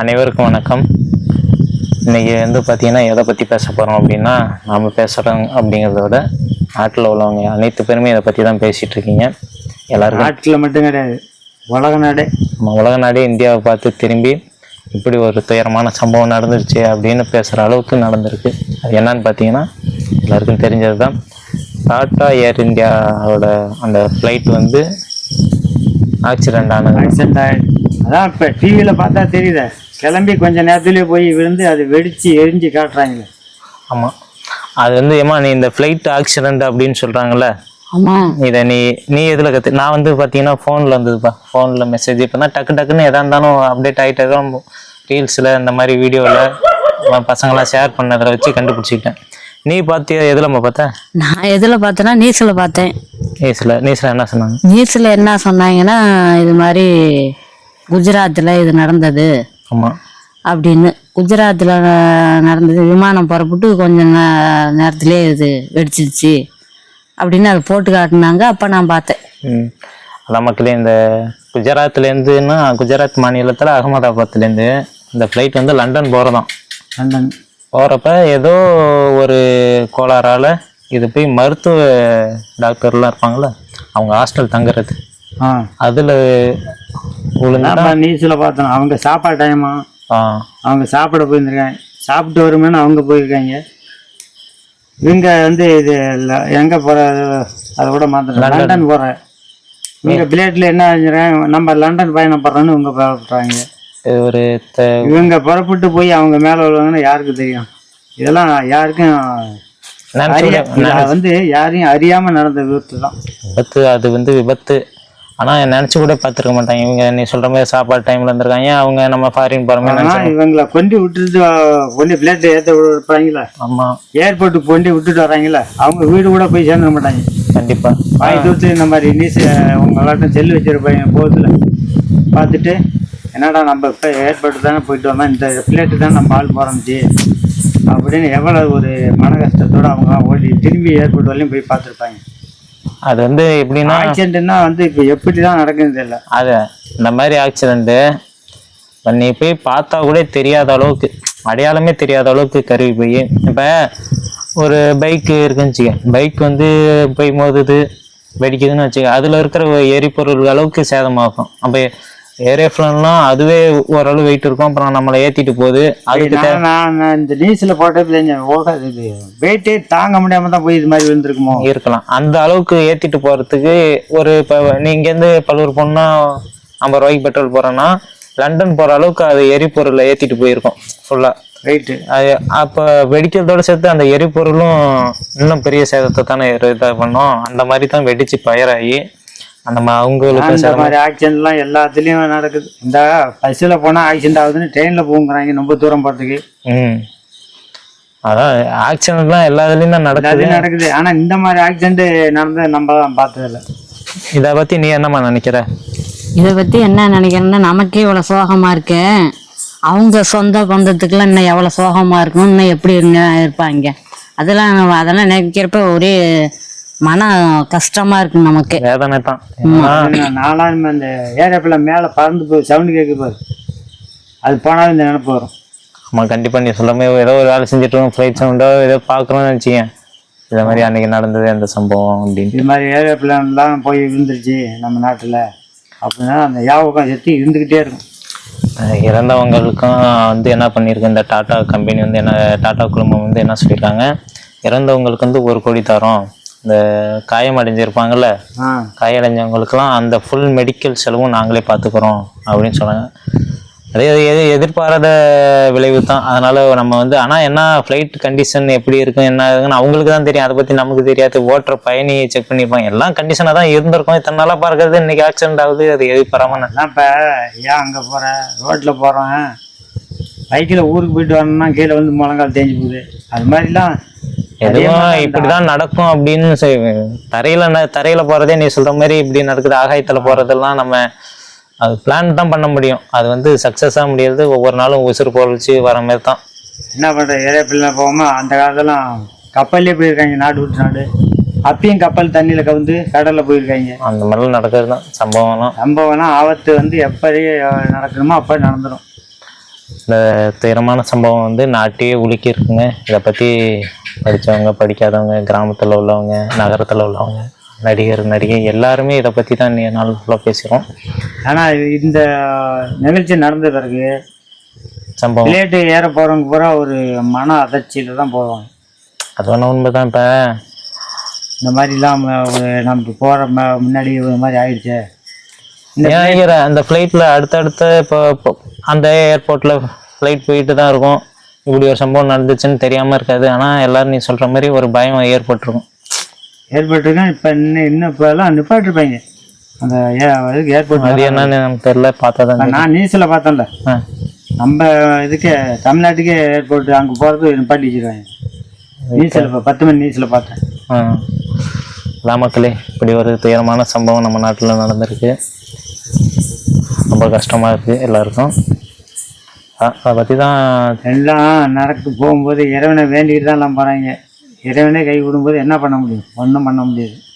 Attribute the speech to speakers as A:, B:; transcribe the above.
A: அனைவருக்கும் வணக்கம். இன்றைக்கி பார்த்தீங்கன்னா எதை பற்றி பேச போகிறோம் அப்படின்னா, நாம் பேசுகிறோம் அப்படிங்கிறத விட நாட்டில் உள்ளவங்க அனைத்து பேருமே இதை பற்றி தான் பேசிகிட்டு இருக்கீங்க. எல்லாருக்கும்
B: நாட்டில் மட்டும் கிடையாது, உலக நாடே.
A: நம்ம உலக நாடே இந்தியாவை பார்த்து திரும்பி இப்படி ஒரு துயரமான சம்பவம் நடந்துருச்சு அப்படின்னு பேசுகிற அளவுக்கு நடந்திருக்கு. அது என்னன்னு பார்த்தீங்கன்னா எல்லாருக்கும் தெரிஞ்சது தான். டாட்டா ஏர் இந்தியாவோட அந்த ஃப்ளைட் ஆக்சிடெண்ட்
B: ஆகி அதான் இப்போ டிவியில் பார்த்தா தெரியுது. கிளம்பி கொஞ்சம் நேரத்துலேயே போய் விழுந்து அது வெடித்து எரிஞ்சு காட்டுறாங்களே.
A: ஆமாம், அது ஏமா நீ இந்த ஃப்ளைட் ஆக்சிடெண்ட் அப்படின்னு சொல்கிறாங்கல்ல, இதை நீ எதில் நான் பார்த்தீங்கன்னா ஃபோனில் வந்ததுப்பா. ஃபோனில் மெசேஜ் இப்போ தான் டக்குன்னு எதாக இருந்தாலும் அப்டேட் ஆகிட்டே தான் ரீல்ஸில் இந்த மாதிரி வீடியோவில் பசங்களாம் ஷேர் பண்ணதில் வச்சு கண்டுபிடிச்சிக்கிட்டேன். நீ பார்த்தியா? எதுலம்மா பார்த்த?
C: நான் எதில் பார்த்தேன்னா நியூஸில் பார்த்தேன்.
A: நியூஸில் என்ன சொன்னாங்க?
C: நியூஸில் என்ன சொன்னாங்கன்னா, இது மாதிரி குஜராத்தில் இது நடந்தது.
A: ஆமாம்,
C: அப்படின்னு குஜராத்தில் நடந்தது. விமானம் புறப்பட்டு கொஞ்சம் நேரத்துலேயே இது வெடிச்சிருச்சு அப்படின்னு அதை போட்டு காட்டினாங்க. அப்போ நான் பார்த்தேன்.
A: அதான் மக்களே, இந்த குஜராத்லேருந்துன்னா குஜராத் மாநிலத்தில் அகமதாபாத்லேருந்து இந்த ஃப்ளைட் லண்டன் போகிறதான்.
B: லண்டன்
A: போகிறப்ப ஏதோ ஒரு கோளாறால் இது போய் மருத்துவ டாக்டர்லாம் இருப்பாங்களே, அவங்க ஹாஸ்டல் தங்குறது, அதில்
B: நியூஸில் பார்த்தோம். அவங்க சாப்பாடு டைமா, அவங்க சாப்பிட போயிருந்துருக்காங்க. சாப்பிட்டு வருமேனு அவங்க போயிருக்காங்க. இவங்க இது எங்கே போகிற அதை கூட மாற்ற லண்டன் போகிற இவங்க பிளேட்டில் என்ன செஞ்சுருக்காங்க, நம்ம லண்டன் பயணப்படுறோன்னு இவங்க புறப்படுறாங்க.
A: ஒரு
B: இவங்க புறப்பட்டு போய் அவங்க மேலே உள்ளவங்கன்னு யாருக்கு தெரியும்? இதெல்லாம் யாருக்கும் யாரையும் அறியாமல் நடந்த விபத்து தான்.
A: விபத்து, அது விபத்து. ஆனால் நினச்சி கூட பார்த்துருக்க மாட்டாங்க. இவங்க நீ சொல்கிற மாதிரி சாப்பாடு டைமில் இருந்திருக்காங்க. அவங்க நம்ம ஃபாரின் போகிற மாதிரி
B: இவங்களை கொண்டு விட்டுட்டு பிளேட் ஏற்ற விடுறாங்களா?
A: ஆமாம்,
B: ஏர்போர்ட்டுக்கு கொண்டு விட்டுட்டு வராங்களா? அவங்க வீடு கூட போய் சேர்ந்துட மாட்டாங்க.
A: கண்டிப்பாக
B: வாங்கி தூத்து இந்த மாதிரி நியூஸ் உங்களாட்டம் செல்லு வச்சிருப்பாங்க. போதில் பார்த்துட்டு என்னடா நம்ம இப்போ ஏர்போர்ட்டு தானே போயிட்டு வந்தோம், இந்த பிளேட்டு தான் நம்ம ஆள் போகிறோம்ச்சு அப்படின்னு எவ்வளோ ஒரு மன கஷ்டத்தோடு அவங்க ஓடி திரும்பி ஏர்போர்ட் வரலையும் போய் பார்த்துருப்பாங்க.
A: அது எப்படின்னா
B: ஆக்சிடென்ட்னா இப்போ எப்படி தான் நடக்குதுன்னு தெரியல.
A: அது இந்த மாதிரி ஆக்சிடெண்ட்டு நீ போய் பார்த்தா கூட தெரியாத அளவுக்கு, அடையாளமே தெரியாத அளவுக்கு கருவி போய். இப்போ ஒரு பைக்கு இருக்குன்னு வச்சுக்க, பைக் போய் மோதுது வெடிக்குதுன்னு வச்சுக்க, அதில் இருக்கிற எரிபொருள் அளவுக்கு சேதமாகும். அப்போ ஏரோப்ளேன்லாம் அதுவே ஓரளவு வெயிட் இருக்கும். அப்புறம் நம்மளை ஏற்றிட்டு போகுது. அதுக்கு
B: நான் இந்த நியூஸில் போட்டது வெயிட்டே தாங்க முடியாமல் தான் போய் இது மாதிரி விழுந்துருக்குமோ
A: இருக்கலாம். அந்த அளவுக்கு ஏற்றிட்டு போகிறதுக்கு ஒரு இப்போ நீ இங்கேருந்து பல்லூர் போனா 50 ரூபாய்க்கு பெட்ரோல் போகிறோன்னா, லண்டன் போகிற அளவுக்கு அது எரிபொருளை ஏற்றிட்டு போயிருக்கோம் ஃபுல்லாக
B: வெயிட்டு.
A: அது அப்போ வெடிக்கிறதோடு சேர்த்து அந்த எரிபொருளும் இன்னும் பெரிய சேதத்தை தானே இதாக பண்ணோம். அந்த மாதிரி தான் வெடிச்சு பயிராகி அந்த அவங்களுக்கு
B: இந்த மாதிரி ஆக்சிடென்ட்லாம் எல்லாத்துலேயும் நடக்குது. இந்த பஸ்ஸில் போனால் ஆக்சிடென்ட் ஆகுதுன்னு ட்ரெயினில் போங்கிறாங்க ரொம்ப தூரம் போகிறதுக்கு.
A: அதான் ஆக்சிடென்ட்லாம் எல்லா இதுலேயும் தான் நடக்குது.
B: ஆனால் இந்த மாதிரி ஆக்சிடென்ட் நடந்தது நம்ம தான் பார்த்ததில்ல.
A: இதை பற்றி நீ என்னம்மா நினைக்கிற?
C: இதை பற்றி என்ன நினைக்கிறேன்னா, நமக்கே இவ்வளோ சோகமாக இருக்கு. அவங்க சொந்த பந்தத்துக்குலாம் இன்னும் எவ்வளோ சோகமாக இருக்கும், இன்னும் எப்படி இருப்பாங்க. அதெல்லாம் நினைக்கிறப்ப ஒரே மன கஷ்டமா இருக்கு, நமக்கு
A: வேதனை தான்.
B: நானும் அந்த ஏரோப்ளேன் மேலே பறந்து போய் சவுண்டு கேட்க பாரு, அது போனாலும் இந்த நினைப்பு வரும்.
A: ஆமாம், கண்டிப்பாக நீ சொல்ல மாதிரி ஏதோ ஒரு வேலை செஞ்சுட்டு இருக்கோம், ஃப்ளைட் சவுண்டோ ஏதோ பார்க்குறோன்னு நினச்சிங்க. இதை மாதிரி அன்றைக்கி நடந்தது அந்த சம்பவம் அப்படின்னு.
B: இது மாதிரி ஏரோப்ளேன்லாம் போய் விழுந்துருச்சு நம்ம நாட்டில் அப்படின்னா அந்த யாபகம் சேர்த்து இருந்துக்கிட்டே இருக்கும்.
A: இறந்தவங்களுக்கும் என்ன பண்ணியிருக்கு இந்த டாட்டா கம்பெனி என்ன டாட்டா குழுமம் என்ன சொல்லியிருக்காங்க, இறந்தவங்களுக்கு 1 கோடி தரோம். இந்த காயம் அடைஞ்சிருப்பாங்கல்ல, காயடைஞ்சவங்களுக்குலாம் அந்த ஃபுல் மெடிக்கல் செலவும் நாங்களே பார்த்துக்குறோம் அப்படின்னு சொன்னாங்க. அதே எதிர்பாராத விளைவு தான். அதனால் நம்ம ஆனால் என்ன ஃப்ளைட் கண்டிஷன் எப்படி இருக்கும் என்ன இருக்குன்னு அவங்களுக்கு தான் தெரியும். அதை பற்றி நமக்கு தெரியாது. ஓட்டுற பயணி செக் பண்ணியிருப்பாங்க. எல்லாம் கண்டிஷனாக தான் இருந்திருக்கும். இத்தனை நாளாக பார்க்கறது இன்றைக்கி ஆக்சிடென்ட் ஆகுது. அது எதிர்பாராமல்
B: நான் இப்போ ஏன் அங்கே போகிறேன், ரோட்டில் போகிறேன், பைக்கில் ஊருக்கு போயிட்டு வரணும்னா கீழே முழங்கால் தேஞ்சு போகுது. அது மாதிரிலாம்
A: எதுவும் இப்படிதான் நடக்கும் அப்படின்னு தரையில போறதே நீ சொல்ற மாதிரி இப்படி நடக்குது. ஆகாயத்துல போறதெல்லாம் நம்ம அது பிளான் தான் பண்ண முடியும். அது சக்சஸா முடியாது. ஒவ்வொரு நாளும் உசுறு பொழிச்சு வர மாதிரி தான்.
B: என்ன பண்ற, ஏரோப்ளேன்ல போகாம அந்த காலத்தெல்லாம் கப்பல்லே போயிருக்காங்க, நாடு விட்டு நாடு. அப்பயும் கப்பல் தண்ணியில கவுந்து கடல்ல போயிருக்காங்க.
A: அந்த மாதிரிலாம் நடக்கிறது தான் சம்பவம்லாம்
B: ஆபத்து எப்படி நடக்கணுமோ அப்ப நடந்துடும்.
A: இந்த துயரமான சம்பவம் வந்து நாட்டையே உலுக்கியிருக்குங்க. இதை பற்றி படித்தவங்க படிக்காதவங்க, கிராமத்தில் உள்ளவங்க, நகரத்தில் உள்ளவங்க, நடிகர் நடிகை எல்லாருமே இதை பற்றி தான் நாள் ஃபுல்லாக பேசுகிறோம்.
B: ஆனால் இந்த நிகழ்ச்சி நடந்த பிறகு
A: சம்பவம்
B: பிளேட்டு ஏற போகிறவங்க பூரா ஒரு மன அதிர்ச்சியில் தான் போவாங்க.
A: அது ஒன்று உண்மை தான். இப்போ
B: இந்த மாதிரிலாம் நமக்கு போகிற முன்னாடி இந்த மாதிரி ஆயிடுச்சு.
A: ஏன் அந்த ஃப்ளைட்டில் அடுத்தடுத்த இப்போ அந்த ஏர்போர்ட்டில் ஃப்ளைட் போயிட்டு தான் இருக்கும். இப்படி ஒரு சம்பவம் நடந்துச்சுன்னு தெரியாமல் இருக்காது. ஆனால் எல்லோரும் நீ சொல்கிற மாதிரி ஒரு பயம் ஏற்பட்டிருக்கும்.
B: இப்போ இன்னும் இப்போலாம் நிப்பாட்டிருப்பாங்க அந்த ஏர்போர்ட்.
A: அது என்னன்னு நமக்கு தெரியல, பார்த்தா தான்.
B: நான் நியூஸில் பார்த்தேன்ல, நம்ம இதுக்கு தமிழ்நாட்டுக்கே ஏர்போர்ட் அங்கே போகிறது நிப்பாட்டி வச்சுருவாங்க. நியூஸில் இப்போ 10 மணி நியூஸில் பார்த்தேன்.
A: நாமக்கலே இப்படி ஒரு துயரமான சம்பவம் நம்ம நாட்டில் நடந்திருக்கு. ரொம்ப கஷ்டமாக இருக்குது எல்லாருக்கும். அதை பற்றி தான்
B: எல்லாம் போகும்போது இறைவனை வேண்டிக்கிட்டு தான் எல்லாம் போகிறாங்க. இறைவனே கை விடும்போது என்ன பண்ண முடியும்? ஒன்றும் பண்ண முடியாது.